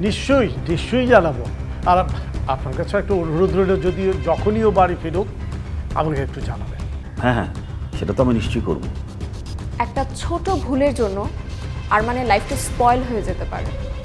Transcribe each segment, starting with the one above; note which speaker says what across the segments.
Speaker 1: নিশ্চয়ই নিশ্চয়ই জানাবো। আর আপনার কাছে একটা অনুরোধ রইল, যদি যখনই ও বাড়ি ফিরুক আমাকে একটু জানাবেন।
Speaker 2: হ্যাঁ হ্যাঁ, সেটা তো আমি নিশ্চয়ই করব।
Speaker 3: একটা ছোট ভুলের জন্য আরমানের লাইফটা স্পয়েল হয়ে যেতে পারে।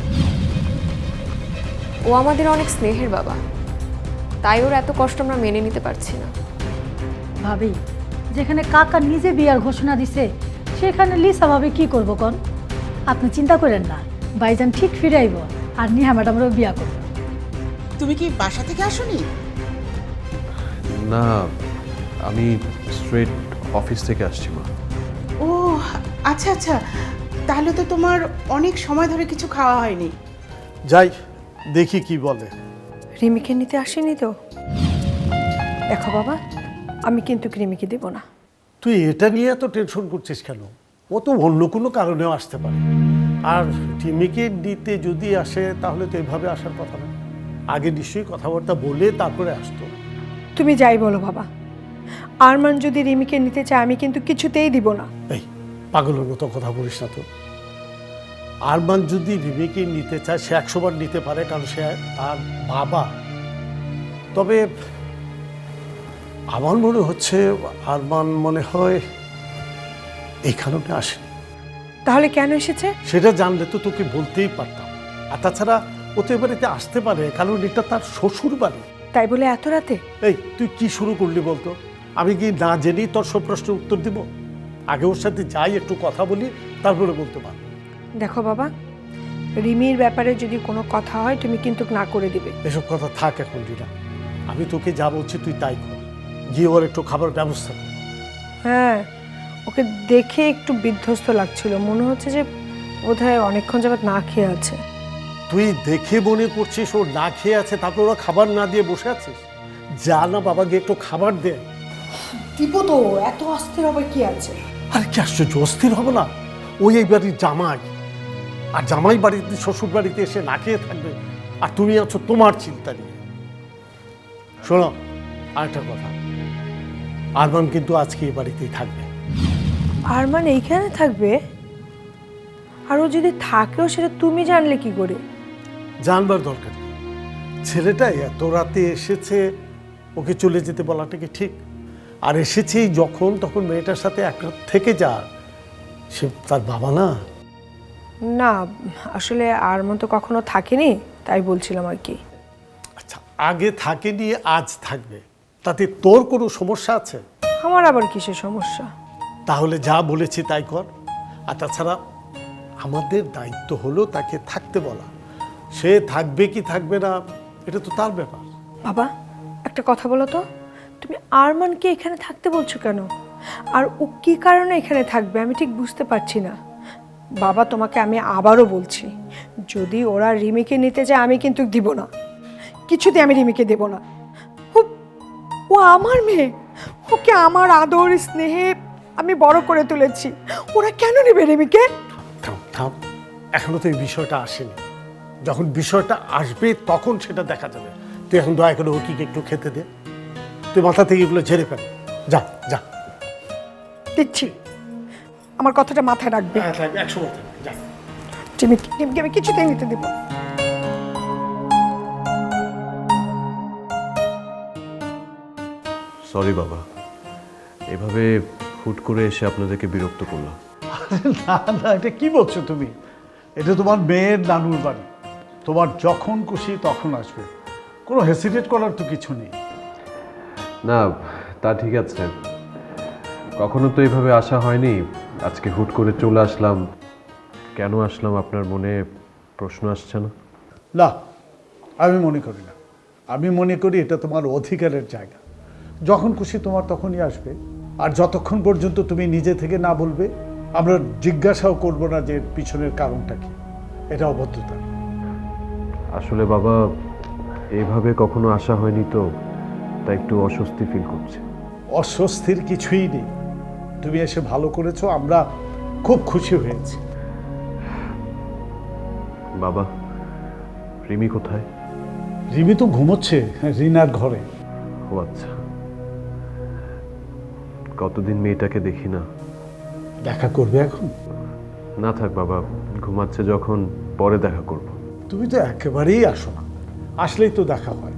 Speaker 3: ও আমাদের অনেক স্নেহের বাবা, তাই ওর এত কষ্ট আমরা মেনে নিতে পারছি না।
Speaker 4: ভাবি, যেখানে কাকা নিজে বিয়ার ঘোষণা দিছে সেখানে লিসা ভাবে কি করবো কন? আপনি চিন্তা করেন না, ভাইজান ঠিক ফিরে আইব আর নিহা ম্যাডামরাও বিয়া করবো।
Speaker 5: তুমি কি বাসা থেকে আসোনি?
Speaker 6: না, আমি স্ট্রেট অফিস থেকে আসছি মা।
Speaker 5: ও আচ্ছা আচ্ছা, তাহলে তো তোমার অনেক সময় ধরে কিছু খাওয়া হয়নি।
Speaker 1: যাই দেখি কি বলে।
Speaker 7: রিমিকে নিতে আসেনি তো? দেখো বাবা, আমি কিন্তু রিমিকে দেব না।
Speaker 1: তুই এটা নিয়ে এত টেনশন করছিস কেন? ও তো অন্য কোনো কারণেও আসতে পারে। আর টিমিকে দিতে যদি আসে তাহলে তো এভাবে আসার কথা না। আগে নিশ্চয়ই কথাবার্তা বলে তারপরে আসতো।
Speaker 7: তুমি যাই বলো বাবা, আরমান যদি রিমিকে নিতে চায় আমি কিন্তু কিছুতেই দিব না।
Speaker 1: এই পাগলের মতো কথা বলিস না তো। আরমান যদি রিমিকে নিতে চায় সে 100 বার নিতে পারে, কারণ সে তার বাবা। তবে আমার মনে হচ্ছে আরমান মনে হয় এই কারণে আসেনি।
Speaker 7: তাহলে কেন এসেছে?
Speaker 1: সেটা জানলে তো তোকে বলতেই পারতাম। আর তাছাড়া ও তো এ বাড়িতে আসতে পারে, কারণ এটা তার শ্বশুর বাড়ি।
Speaker 7: তাই বলে এত রাতে?
Speaker 1: এই তুই কি শুরু করলি বলতো? আমি কি না জেনেই তোর সব প্রশ্নের উত্তর দিব? আগে ওর সাথে যাই, একটু কথা বলি, তারপরে বলতে পারবো।
Speaker 7: দেখো বাবা, রিমির ব্যাপারে যদি কোনো কথা হয় তুমি কিন্তু না করে দিবে।
Speaker 1: এসব কথা থাক এখন রিনা। আমি তোকে যা বলছি তুই তাই কর। গিয়ে ওর একটু খাবার ব্যবস্থা কর।
Speaker 7: হ্যাঁ, ওকে দেখে একটু বিধ্বস্ত লাগছিল, মনে হচ্ছে যে বোধহয় অনেকক্ষণ যাবত না খেয়ে আছে।
Speaker 1: তুই দেখে মনে করছিস ও না খেয়ে আছে, তারপর ওরা খাবার না দিয়ে বসে আছিস? যা না বাবা, গিয়ে একটু খাবার দে।
Speaker 7: দিব তো, এত অস্থির হবে কি আছে?
Speaker 1: আরে কি আশ্চর্য, অস্থির হবো না? ওই এই বাড়ির জামাই, আর জামাই বাড়িতে শ্বশুর বাড়িতে এসে না খেয়ে থাকবে, আর তুমি আছো তোমার চিন্তা নিয়ে। শোনো আরেকটা কথা, আরমান কিন্তু আজকে এই বাড়িতেই থাকবে।
Speaker 7: আরমান এইখানে থাকবে? আর ও যদি থাকেও সেটা তুমি জানলে কি করে?
Speaker 1: জানবার দরকার নেই। ছেলেটা এত রাতে এসেছে, ওকে চলে যেতে বলাটা কি ঠিক? আর এসেছেই যখন, তখন মেয়েটার সাথে এক রাত থেকে যা। সে তার বাবা না?
Speaker 7: না, আসলে আরমান তো কখনো থাকেনি, তাই বলছিলাম আর কি।
Speaker 1: আচ্ছা, আগে থাকেনি, আজ থাকবে, তাতে তোর কোনো সমস্যা আছে?
Speaker 7: আমার আবার কিসের সমস্যা?
Speaker 1: তাহলে যা বলেছি তাই কর। আর তাছাড়া আমাদের দায়িত্ব হলো তাকে থাকতে বলা। সে থাকবে কি থাকবে না এটা তো তার ব্যাপার।
Speaker 7: বাবা, একটা কথা বলো তো, তুমি আরমানকে এখানে থাকতে বলছো কেন? আর ও কি কারণে এখানে থাকবে আমি ঠিক বুঝতে পারছি না। বাবা, তোমাকে আমি আবারও বলছি, যদি ওরা রিমিকে নিতে যায় আমি কিন্তু দিব না, কিছুতে আমি রিমিকে দেব না। ও আমার মেয়ে, ওকে আমার আদর স্নেহে আমি বড় করে তুলেছি, ওরা কেন নেবে রিমিকে?
Speaker 1: থাম থাম, এখনো তো এই বিষয়টা আসেনি। যখন বিষয়টা আসবে তখন সেটা দেখা যাবে। তুই এখন দয়া করে ওকে একটু খেতে দে। তুই মাথা থেকে এগুলো ঝেড়ে ফেল। যা যা।
Speaker 7: দিচ্ছি, আমার কথাটা মাথায় রাখবে।
Speaker 1: 100 বার যা।
Speaker 7: রিমিকে আমি কিছুতেই নিতে দেব।
Speaker 6: সরি বাবা, এভাবে হুট করে এসে আপনাদেরকে বিরক্ত করলাম।
Speaker 8: না না, এটা কি বলছো তুমি? এটা তোমার মেয়ের নানুর বাড়ি, তোমার যখন খুশি তখন আসবে, কোনো হেসিটেট করার তো কিছু নেই।
Speaker 6: না, তা ঠিক আছে, কখনো তো এইভাবে আসা হয়নি, আজকে হুট করে চলে আসলাম। কেন আসলাম আপনার মনে প্রশ্ন আসছে না?
Speaker 8: না, আমি মনে করি না। আমি মনে করি এটা তোমার অধিকারের জায়গা, যখন খুশি তোমার তখনই আসবে। আর যতক্ষণ পর্যন্ত তুমি নিজে থেকে না বলবে আমরা জিজ্ঞাসাও করব না যে পিছনের কারণটা কি। এটা অভদ্রতা।
Speaker 6: আসলে বাবা, এইভাবে কখনো আসা হয়নি তো, তাই একটু অস্বস্তি ফিল করছে।
Speaker 8: অস্বস্তির কিছুই নেই, তুমি এসে ভালো করেছো, আমরা খুব খুশি হয়েছি।
Speaker 6: বাবা, রিমি কোথায়?
Speaker 8: রিমি তো ঘুমোচ্ছে রিনার ঘরে।
Speaker 6: ও আচ্ছা, কতদিন মেয়েটাকে দেখি না।
Speaker 8: দেখা করবে এখন?
Speaker 6: না থাক বাবা, ঘুমাচ্ছে যখন, পরে দেখা করব।
Speaker 8: তুমি তো একেবারেই আসো না, আসলেই তো দেখা হয়।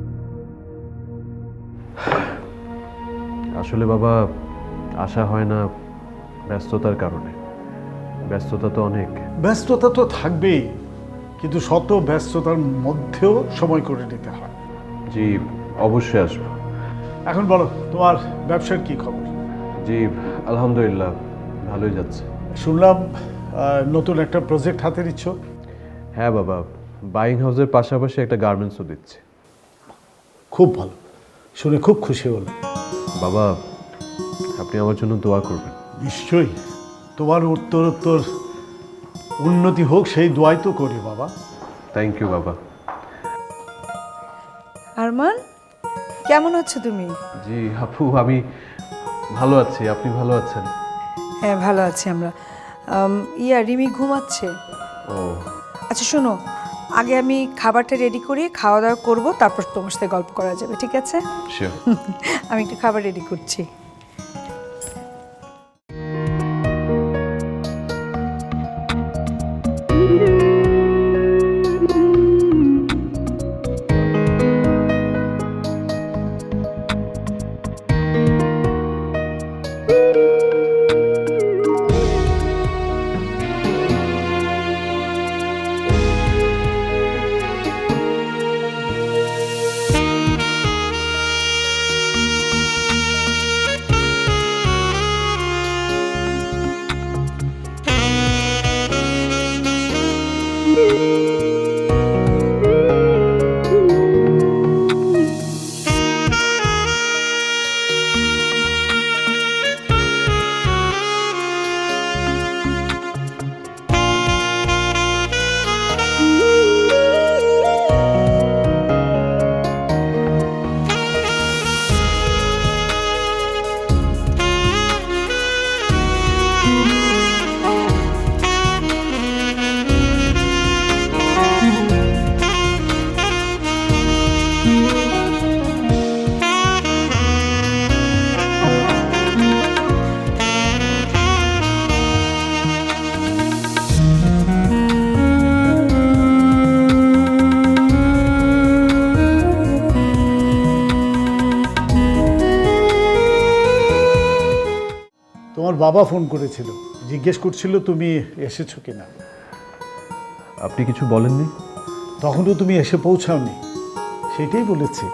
Speaker 6: আসলে বাবা আসা হয় না ব্যস্ততার কারণে। ব্যস্ততা তো অনেক।
Speaker 8: ব্যস্ততা তো থাকবেই, কিন্তু শত ব্যস্ততার মধ্যেও সময় করে নিতে হয়।
Speaker 6: জি অবশ্যই আসবো।
Speaker 8: এখন বলো, তোমার ব্যবসার কি খবর?
Speaker 6: জি আলহামদুলিল্লাহ ভালোই যাচ্ছে।
Speaker 8: শুনলাম নতুন একটা প্রজেক্ট হাতে নিচ্ছ।
Speaker 6: হ্যাঁ বাবা, বাইং হাউসের পাশাপাশি একটা গার্মেন্টসও দিচ্ছে।
Speaker 8: খুব ভালো, শুনে খুব খুশি হলাম।
Speaker 6: বাবা আপনি আমার জন্য দোয়া করবেন।
Speaker 8: নিশ্চয়ই, তোমার উত্তরোত্তর উন্নতি হোক সেই দোয়াই তো করি বাবা।
Speaker 6: থ্যাংক ইউ বাবা।
Speaker 7: আরমান, কেমন আছো তুমি?
Speaker 6: জি আপু আমি ভালো আছি, আপনি ভালো আছেন?
Speaker 7: হ্যাঁ ভালো আছি আমরা। রিমি ঘুমাচ্ছে।
Speaker 6: ও
Speaker 7: আচ্ছা শোনো, আগে আমি খাবারটা রেডি করি, খাওয়া দাওয়া করবো, তারপর তোমার সাথে গল্প করা যাবে, ঠিক আছে?
Speaker 6: শিওর।
Speaker 7: আমি একটু খাবার রেডি করছি।
Speaker 8: তোমার বাবা ফোন করেছিল, জিজ্ঞেস করছিল তুমি এসেছো কিনা।
Speaker 6: আপনি কিছু বলেননি?
Speaker 8: তখনও তুমি এসে পৌঁছাওনি, সেটাই বলেছি।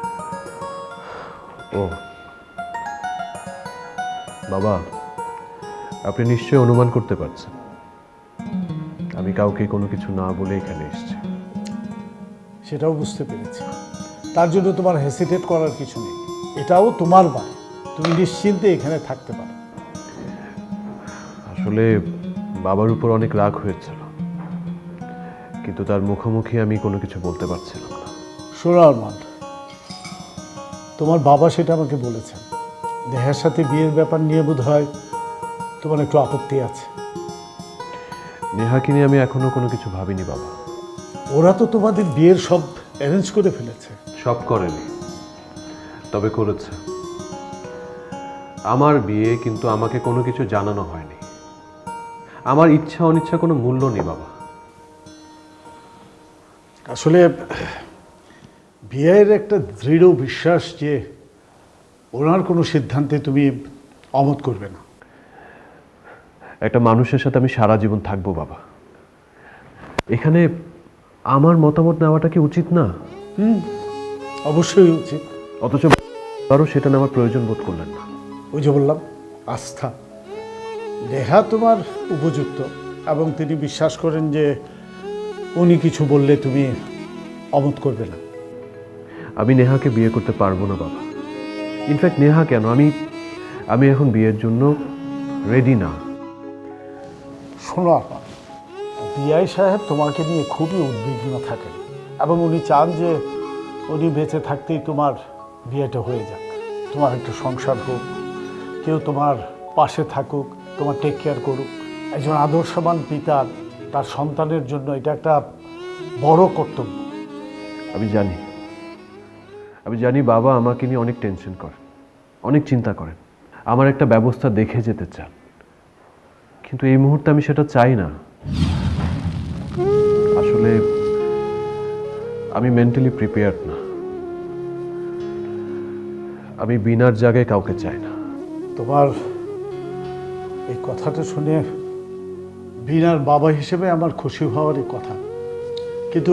Speaker 6: ও বাবা, আপনি নিশ্চয়ই অনুমান করতে পারছেন আমি কাউকে কোনো কিছু না বলে এখানে এসেছি।
Speaker 8: সেটাও বুঝতে পেরেছি। তার জন্য তোমার হেসিটেট করার কিছু নেই, এটাও তোমার বাড়ি, তুমি নিশ্চিন্তে এখানে থাকতে পারো।
Speaker 6: আসলে বাবার উপর অনেক রাগ হয়েছিল, কিন্তু তার মুখোমুখি আমি কোনো কিছু বলতে পারছিলাম না।
Speaker 8: শোনো আরমান, তোমার বাবা সেটা আমাকে বলেছেন, নেহার সাথে বিয়ের ব্যাপার নিয়ে বোধ হয় তোমার একটু আপত্তি আছে।
Speaker 6: নেহাকে নিয়ে আমি এখনো কোনো কিছু ভাবিনি বাবা।
Speaker 8: ওরা তো তোমাদের বিয়ের সব অ্যারেঞ্জ করে ফেলেছে।
Speaker 6: সব করেনি, তবে করেছে। আমার বিয়ে, কিন্তু আমাকে কোনো কিছু জানানো হয়নি। আমার ইচ্ছা অনিচ্ছা কোনো মূল্য নেই বাবা।
Speaker 8: আসলে বিয়ের একটা দৃঢ় বিশ্বাস যে ওনার কোনো সিদ্ধান্তে তুমি অমত করবে না।
Speaker 6: একটা মানুষের সাথে আমি সারা জীবন থাকবো বাবা, এখানে আমার মতামত নেওয়াটা কি উচিত না?
Speaker 8: অবশ্যই উচিত।
Speaker 6: অথচ আরও সেটা নেওয়ার প্রয়োজন বোধ করলেন না।
Speaker 8: ওই যে বললাম, আস্থা। নেহা তোমার উপযুক্ত, এবং তিনি বিশ্বাস করেন যে উনি কিছু বললে তুমি অমত করবে না।
Speaker 6: আমি নেহাকে বিয়ে করতে পারবো না বাবা। ইনফ্যাক্ট নেহা কেন, আমি এখন বিয়ের জন্য রেডি না।
Speaker 8: শোনো আপা, বিআই সাহেব তোমাকে নিয়ে খুবই উদ্বিগ্ন থাকেন, এবং উনি চান যে উনি বেঁচে থাকতেই তোমার বিয়েটা হয়ে যাক, তোমার একটা সংসার হোক, কেউ তোমার পাশে থাকুক, তোমার টেক কেয়ার করুক। একজন আদর্শবান পিতার তার সন্তানের জন্য এটা একটা বড় কর্তব্য।
Speaker 6: আমি জানি বাবা আমাকে নিয়ে অনেক টেনশন করেন, অনেক চিন্তা করেন, আমার একটা ব্যবস্থা দেখে যেতে চান, কিন্তু এই মুহূর্তে আমি সেটা চাই না। আসলে আমি মেন্টালি প্রিপেয়ার্ড না। আমি বিনার জায়গায় কাউকে চাই না।
Speaker 8: তোমার এই কথাটা শুনে বিনার বাবা হিসেবে আমার খুশি হওয়ারই কথা, কিন্তু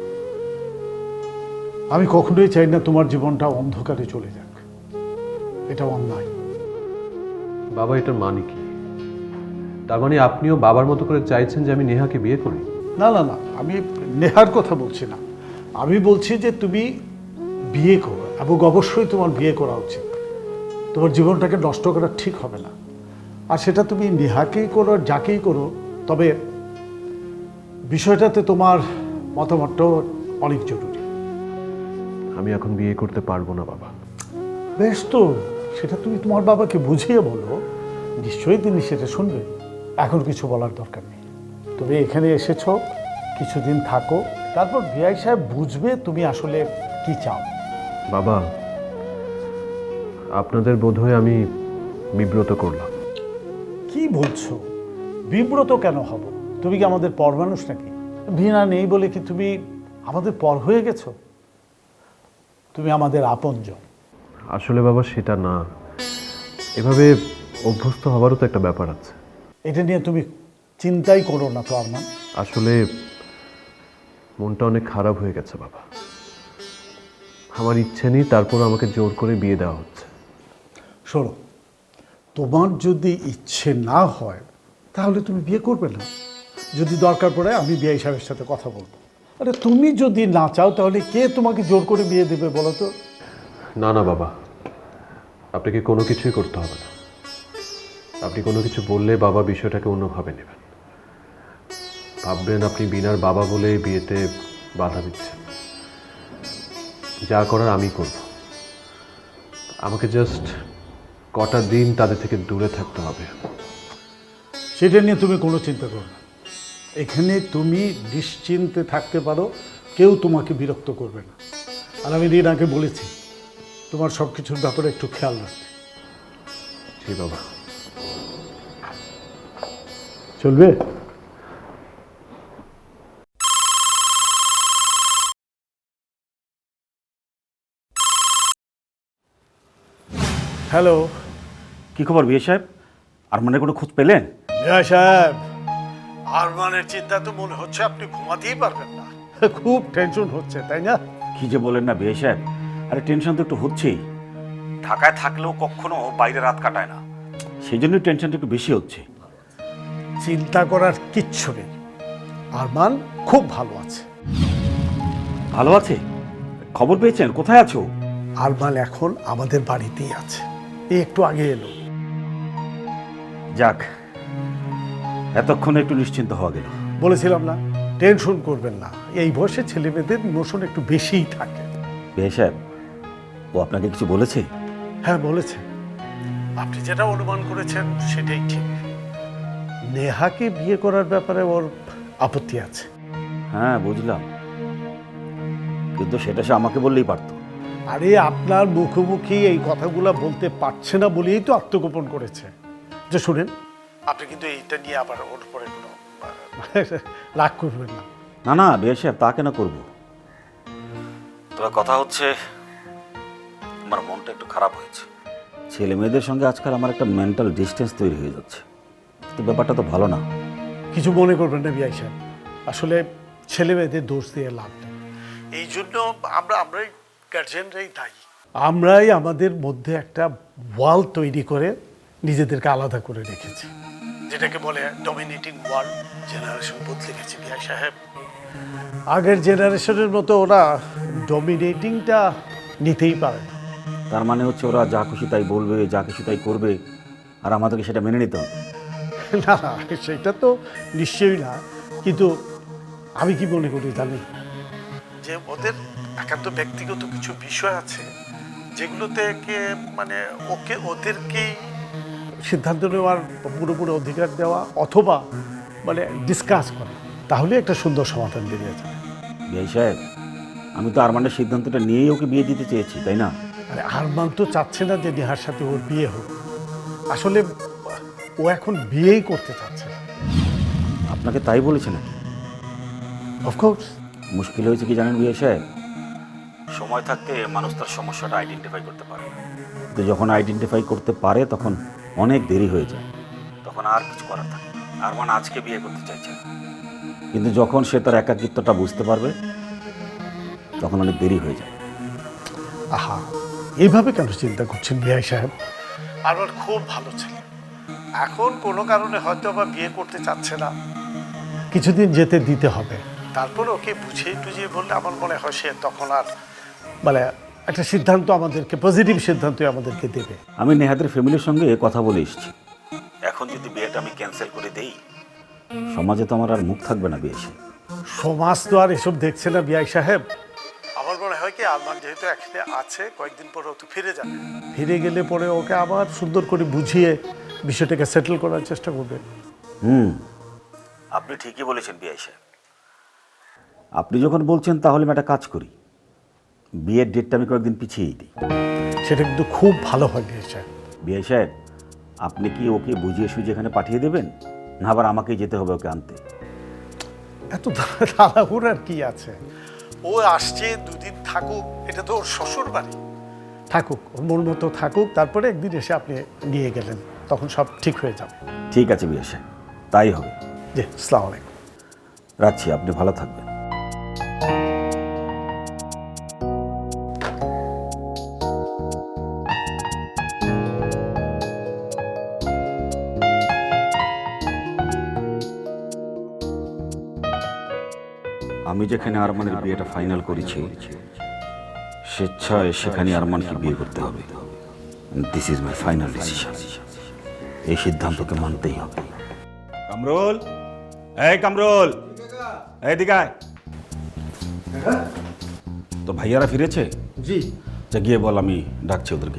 Speaker 8: আমি কখনোই চাই না তোমার জীবনটা অন্ধকারে চলে যাক। এটা অন্যায়।
Speaker 6: বাবা, এটার মানে কি? তার মানে আপনিও বাবার মতো করে চাইছেন যে আমি নেহাকে বিয়ে করি?
Speaker 8: না না না, আমি নেহার কথা বলছি না। আমি বলছি যে তুমি বিয়ে করো, এবং অবশ্যই তোমার বিয়ে করা উচিত। তোমার জীবনটাকে নষ্ট করা ঠিক হবে না। আর সেটা তুমি নেহাকেই করো, যাকেই করো, তবে বিষয়টাতে তোমার মতামতটাও অনেক জরুরি।
Speaker 6: আমি এখন বিয়ে করতে পারবো না বাবা।
Speaker 8: বেশ, তো সেটা তুমি তোমার বাবাকে বুঝিয়ে বলো, নিশ্চয়ই তিনি সেটা শুনবে। এখন কিছু বলার দরকার নেই। তুমি এখানে এসেছো, কিছুদিন থাকো, তারপর বিআই সাহেব বুঝবে তুমি আসলে কি চাও।
Speaker 6: বাবা, আপনাদের বোধহয় আমি বিব্রত করলাম।
Speaker 8: কি বলছো? বিব্রত কেন হব? তুমি কি আমাদের পর মানুষ নাকি? ভিনা নেই বলে কি তুমি আমাদের পর হয়ে গেছো? তুমি আমাদের আপনজন।
Speaker 6: আসলে বাবা সেটা না, এভাবে অভ্যস্ত হওয়ারও তো একটা ব্যাপার আছে।
Speaker 8: এটা নিয়ে তুমি চিন্তাই করো না তো আরমান।
Speaker 6: আসলে মনটা অনেক খারাপ হয়ে গেছে বাবা। আমার ইচ্ছে নেই, তারপর আমাকে জোর করে বিয়ে দেওয়া হচ্ছে।
Speaker 8: শোনো, তোমার যদি ইচ্ছে না হয় তাহলে তুমি বিয়ে করবে না। যদি দরকার পড়ে আমি বিআই সাহেবের সাথে কথা বলবো। আরে তুমি যদি না চাও তাহলে কে তোমাকে জোর করে বিয়ে দেবে বলো তো?
Speaker 6: না না বাবা, আপনাকে কোনো কিছুই করতে হবে না। আপনি কোনো কিছু বললে বাবা বিষয়টাকে অন্যভাবে নেবেন, ভাববেন আপনি বিনার বাবা বলে এই বিয়েতে বাধা দিচ্ছেন। যা করার আমি করব। আমাকে জাস্ট কটা দিন তাদের থেকে দূরে থাকতে হবে।
Speaker 8: সেটা নিয়ে তুমি কোনো চিন্তা করো না। এখানে তুমি নিশ্চিন্তে থাকতে পারো, কেউ তোমাকে বিরক্ত করবে না। আর আমি রিনাকে বলেছি তোমার সব কিছুর ব্যাপারে একটু খেয়াল রাখতে।
Speaker 6: ঠিক বাবা।
Speaker 8: চলবে? হ্যালো
Speaker 2: কি খবর বিয়ে সাহেব? আরমানের কোনো খোঁজ পেলেন?
Speaker 8: মিয়া সাহেব, আরমানের চিন্তা তো মনে হচ্ছে আপনি ঘুমাতেই পারবেন না। খুব টেনশন হচ্ছে, তাই না?
Speaker 2: কি যে বলেন না বিয়ে সাহেব, আরে টেনশন তো একটু হচ্ছেই। ঢাকায় থাকলেও কখনো বাইরে রাত কাটায় না, সেই জন্যই টেনশনটা একটু বেশি হচ্ছে।
Speaker 8: চিন্তা করার কিচ্ছু নেই, আরমান খুব ভালো আছে।
Speaker 2: ভালো আছে? খবর পেয়েছেন? কোথায় আছো?
Speaker 8: আরমান এখন আমাদের বাড়িতেই আছে, এই একটু আগে এলো।
Speaker 2: যাক, এতক্ষণে একটু নিশ্চিন্ত হওয়া গেল।
Speaker 8: বলেছিলাম না, টেনশন করবেন না। এই বয়সে ছেলে মেয়েদের ইমোশন একটু বেশিই থাকে।
Speaker 2: বিয়ে সাহেব, ও আপনাকে কিছু বলেছে?
Speaker 8: হ্যাঁ বলেছে। আপনি যেটা অনুমান করেছেন সেটাই ঠিক। নেহাকে বিয়ে করার ব্যাপারে ওর আপত্তি আছে।
Speaker 2: হ্যাঁ বুঝলাম, কিন্তু সেটা সে আমাকে বললেই পারতো।
Speaker 8: আরে আপনার মুখোমুখি এই কথাগুলো বলতে পারছে না বলেই তো আত্মগোপন করেছে। যে শুনেন, আপনি কিন্তু এইটা নিয়ে আবার ওর পরে কোনো রাগ করবেন না।
Speaker 2: না না বিয়ে সাহেব, তা কেন করবো? তবে কথা হচ্ছে, আমার মনটা একটু খারাপ হয়েছে। ছেলে মেয়েদের সঙ্গে আজকাল আমার একটা মেন্টাল ডিস্টেন্স তৈরি হয়ে যাচ্ছে। তো ব্যাপারটা তো ভালো না।
Speaker 8: কিছু মনে করবেন না বিআই সাহেব, আসলে ছেলে মেয়েদের দোষ দিয়ে লাভ নেই। এই জন্য আমরাই গার্জেনরাই দায়ী। আমরাই আমাদের মধ্যে একটা ওয়াল তৈরি করে নিজেদেরকে আলাদা করে রেখেছি, যেটাকে বলে ডমিনেটিং ওয়াল। জেনারেশন বদলে গেছে বিআই সাহেব। আগের জেনারেশনের মতো ওরা ডমিনেটিংটা নিতেই পারে না।
Speaker 2: তার মানে হচ্ছে ওরা যা খুশি তাই বলবে, যা খুশি তাই করবে, আর আমাদেরকে সেটা মেনে নিতে হবে।
Speaker 8: না, সেটা তো নিশ্চয়ই না, কিন্তু আমি কি মনে করি জানেন, যে ওদের একান্ত ব্যক্তিগত কিছু বিষয় আছে যেগুলোতে মানে ওদেরকেই সিদ্ধান্ত নেওয়ার পুরোপুরি অধিকার দেওয়া, অথবা মানে ডিসকাস করা, তাহলে একটা সুন্দর সমাধান বেরিয়ে যাবে।
Speaker 2: বিয়ে সাহেব, আমি তো আরমানের সিদ্ধান্তটা নিয়েই ওকে বিয়ে দিতে চেয়েছি, তাই না?
Speaker 8: আরে আরমান তো চাচ্ছে না যে নেহার সাথে ওর বিয়ে হোক। আসলে ও এখন বিয়েই করতে চাচ্ছে।
Speaker 2: আপনাকে তাই বলেছে নাকি?
Speaker 8: অফকোর্স।
Speaker 2: মুশকিল হয়েছে কি জানেন বিয়ে সাহেব, সময় থাকতে মানুষ তার সমস্যাটা আইডেন্টিফাই করতে পারে না। কিন্তু যখন আইডেন্টিফাই করতে পারে তখন অনেক দেরি হয়ে যায়, তখন আর কিছু করার থাকে না। আরমান আজকে বিয়ে করতে চাইছে না, কিন্তু যখন সে তার একাকিত্বটা বুঝতে পারবে তখন অনেক দেরি হয়ে যায়।
Speaker 1: আহা, এইভাবে কেন চিন্তা করছেন বিআই সাহেব? আমার খুব ভালো ছেলে, এখন কোনো কারণে হয়তো বা বিয়ে করতে চাচ্ছে না, কিছুদিন যেতে দিতে হবে। তারপর ওকে বুঝিয়ে টুঝিয়ে বললে আমার মনে হয় সে তখন আর মানে একটা সিদ্ধান্ত আমাদেরকে, পজিটিভ সিদ্ধান্তই আমাদেরকে দেবে।
Speaker 2: আমি নেহাদের ফ্যামিলির সঙ্গে কথা বলে এসেছি। এখন যদি বিয়েটা আমি ক্যান্সেল করে দেই, সমাজে তো আমার আর মুখ থাকবে না বিয়ে সাহেব।
Speaker 1: সমাজ তো আর এসব দেখছে না বিআই সাহেব। আমার মনে হয় কি, আরমান যেহেতু এখানে আছে, কয়েকদিন পরে ও তো ফিরে যাবে, ফিরে গেলে পরে ওকে আবার সুন্দর করে বুঝিয়ে বিষয়টাকে সেটেল করার চেষ্টা করবে।
Speaker 2: আপনি ঠিকই বলেছেন বিআই সাহেব। আপনি যখন বলছেন তাহলে আমি একটা কাজ করি, বিয়ের ডেটটা আমি কয়েকদিন পিছিয়েই দিই।
Speaker 1: সেটা কিন্তু খুব ভালো হয় বিআই সাহেব।
Speaker 2: বিআই সাহেব, আপনি কি ওকে বুঝিয়ে সুঝিয়ে এখানে পাঠিয়ে দেবেন, না আবার আমাকেই যেতে হবে ওকে আনতে?
Speaker 1: এত তাড়াহুড়ার কি আছে? ও আসছে, দুদিন থাকুক, এটা তো ওর শ্বশুর বাড়ি, থাকুক, ওর মন মতো থাকুক, তারপরে একদিন এসে আপনি নিয়ে গেলেন, তখন সব ঠিক হয়ে যাবে।
Speaker 2: ঠিক আছে বিআই সাহেব, তাই হবে।
Speaker 1: জি, আসসালামু আলাইকুম।
Speaker 2: রাখছি, আপনি ভালো থাকবেন। আমি যেখানে আরমানের বিয়েটা ফাইনাল করেছি, স্বেচ্ছায় সেখানে আরমানকে বিয়ে করতে হবে। This is my final decision. এই সিদ্ধান্তকে মানতেই হবে। কামরুল, এই কামরুল, এই দিকে আয়। তো ভাইয়ারা ফিরেছে?
Speaker 1: জি।
Speaker 2: যা গিয়ে বল আমি ডাকছি ওদেরকে।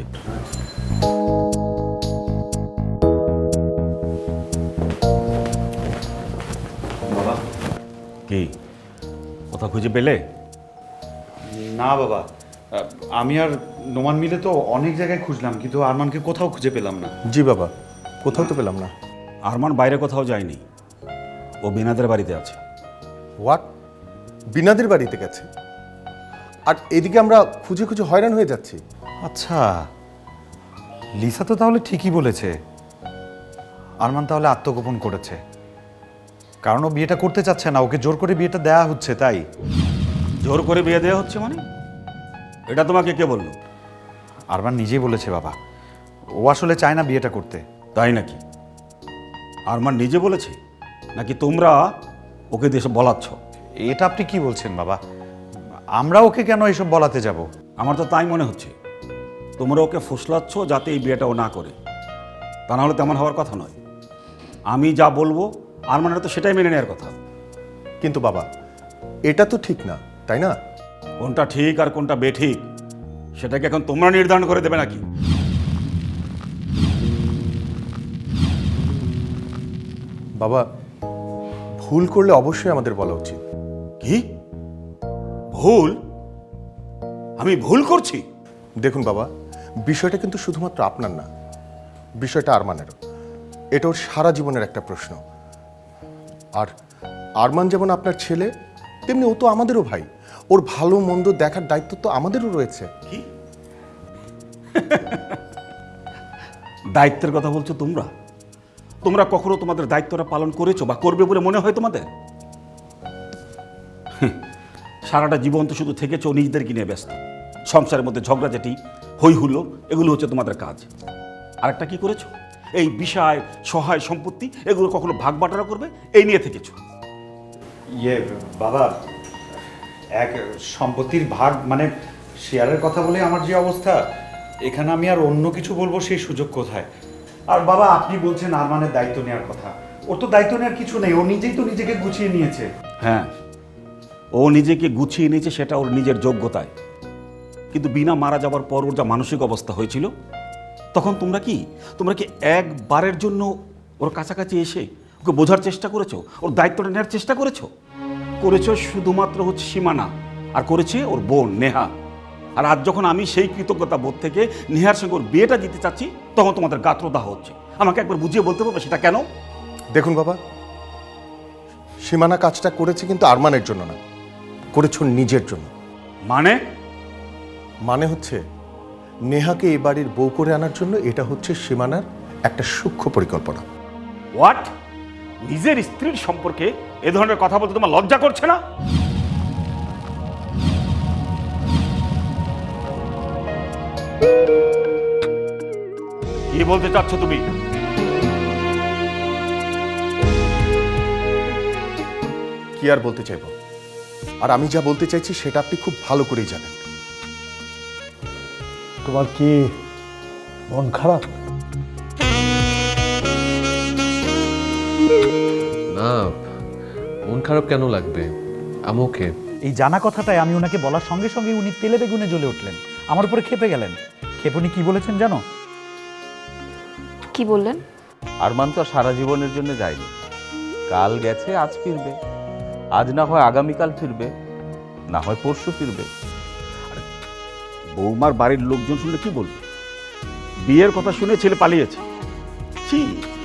Speaker 9: বাবা,
Speaker 2: কি কোথাও খুঁজে পেলে?
Speaker 9: না বাবা, আমি আর নোমান মিলে তো অনেক জায়গায় খুঁজলাম, কিন্তু আরমানকে কোথাও খুঁজে পেলাম না।
Speaker 10: জি বাবা, কোথাও তো পেলাম না।
Speaker 2: আরমান বাইরে কোথাও যায়নি, ও বিনাদের বাড়িতে আছে।
Speaker 10: হোয়াট? বিনাদের বাড়িতে গেছে? আর এদিকে আমরা খুঁজে খুঁজে হয়রান হয়ে যাচ্ছি।
Speaker 9: আচ্ছা, লিসা তো তাহলে ঠিকই বলেছে, আরমান তাহলে আত্মগোপন করেছে, কারণ ও বিয়েটা করতে চাচ্ছে না, ওকে জোর করে বিয়েটা দেয়া হচ্ছে। তাই
Speaker 2: জোর করে বিয়ে দেওয়া হচ্ছে মানে? এটা তোমাকে কে বললো?
Speaker 9: আরমান নিজেই বলেছে বাবা, ও আসলে চায় না বিয়েটা করতে।
Speaker 2: তাই নাকি? আরমান নিজে বলেছে নাকি তোমরা ওকে দেশে বলাচ্ছ?
Speaker 9: এটা আপনি কি বলছেন বাবা? আমরা ওকে কেন এসব বলাতে যাব?
Speaker 2: আমার তো তাই মনে হচ্ছে, তোমরা ওকে ফুসলাচ্ছ যাতে এই বিয়েটা ও না করে। তা না হলে তেমন হওয়ার কথা নয়। আমি যা বলবো আরমানের তো সেটাই মেনে নেওয়ার কথা।
Speaker 10: কিন্তু বাবা, এটা তো ঠিক না, তাই না?
Speaker 2: কোনটা ঠিক আর কোনটা বেঠিক সেটাকে এখন তোমরা নির্ধারণ করে দেবে নাকি?
Speaker 10: বাবা, ভুল করলে অবশ্যই আমাদের বলা উচিত।
Speaker 2: কি ভুল? আমি ভুল করছি?
Speaker 10: দেখুন বাবা, বিষয়টা কিন্তু শুধুমাত্র আপনার না, বিষয়টা আরমানেরও। এটা ওর সারা জীবনের একটা প্রশ্ন। আর আরমান যেমন আপনার ছেলে, তেমনি ও তো আমাদেরও ভাই। ওর ভালো মন্দ দেখার দায়িত্ব তো আমাদেরও রয়েছে।
Speaker 2: কি দায়িত্বের কথা বলছো তোমরা? তোমরা কখনো তোমাদের দায়িত্বটা পালন করেছো বা করবে বলে মনে হয় তোমাদের? সারাটা জীবন তো শুধু থেকেছো নিজেদেরকে নিয়ে ব্যস্ত। সংসারের মধ্যে ঝগড়াঝাটি, হই হুল্লো, এগুলো হচ্ছে তোমাদের কাজ। আরেকটা কি করেছো? এই বিষয়, সহায় সম্পত্তি এগুলো কখনো ভাগ বাটোয়ারা করবে এই নিয়ে থেকেছো।
Speaker 9: বাবা, এক সম্পত্তির ভাগ মানে শেয়ারের কথা বলে আমার যে অবস্থা, এখানে আমি আর অন্য কিছু বলবো সেই সুযোগ কোথায়? আর বাবা, আপনি বলছেন আরমানের দায়িত্ব নেওয়ার কথা, ওর তো দায়িত্ব নেওয়ার কিছু নেই, ও নিজেই তো নিজেকে গুছিয়ে নিয়েছে।
Speaker 2: হ্যাঁ, ও নিজেকে গুছিয়ে নিয়েছে, সেটা ওর নিজের যোগ্যতায়। কিন্তু বিনা মারা যাওয়ার পর ওর যা মানসিক অবস্থা হয়েছিল, তখন তোমরা কি একবারের জন্য ওর কাছাকাছি এসে ওকে বোঝার চেষ্টা করেছো, ওর দায়িত্বটা নেওয়ার চেষ্টা করেছো? শুধুমাত্র হচ্ছে সীমানা, আর করেছে ওর বোন নেহা। আর আজ যখন আমি সেই কৃতজ্ঞতা বোধ থেকে নেহার সঙ্গে ওর বিয়েটা দিতে চাচ্ছি, তখন তোমাদের গাত্রদাহ হচ্ছে। আমাকে একবার বুঝিয়ে বলতে পারবে সেটা কেন?
Speaker 10: দেখুন বাবা, সীমানা কাজটা করেছে কিন্তু আরমানের জন্য না, করেছো নিজের জন্য।
Speaker 9: মানে
Speaker 10: মানে হচ্ছে নেহাকে এই বাড়ির বউ করে আনার জন্য এটা হচ্ছে সীমানার একটা সূক্ষ্ম পরিকল্পনা।
Speaker 9: হোয়াট? নিজের স্ত্রীর সম্পর্কে এ ধরনের কথা বলতে তোমার লজ্জা করছে না? কি বলতে চাচ্ছ তুমি?
Speaker 10: কি আর বলতে চাইবো? আর আমি যা বলতে চাইছি সেটা আপনি খুব ভালো করেই জানেন।
Speaker 8: তোমার কি মন খারাপ?
Speaker 6: না, মন খারাপ কেন লাগবে? আমি ওকে।
Speaker 11: এই জানা কথাটাই আমি ওনাকে বলার সঙ্গে সঙ্গে উনি তেলে বেগুনে জ্বলে উঠলেন, আমার উপরে খেপে গেলেন। খেপে উনি কি বলেছেন জানো?
Speaker 3: কি বললেন?
Speaker 12: আরমান তো আর সারা জীবনের জন্য যায়নি, কাল গেছে আজ ফিরবে, আজ না হয় আগামীকাল ফিরবে, না হয় পরশু ফিরবে।
Speaker 2: বৌমার বাড়ির লোকজন শুনলে কি বলবে? বিয়ের কথা শুনে ছেলে পালিয়েছে। ছি।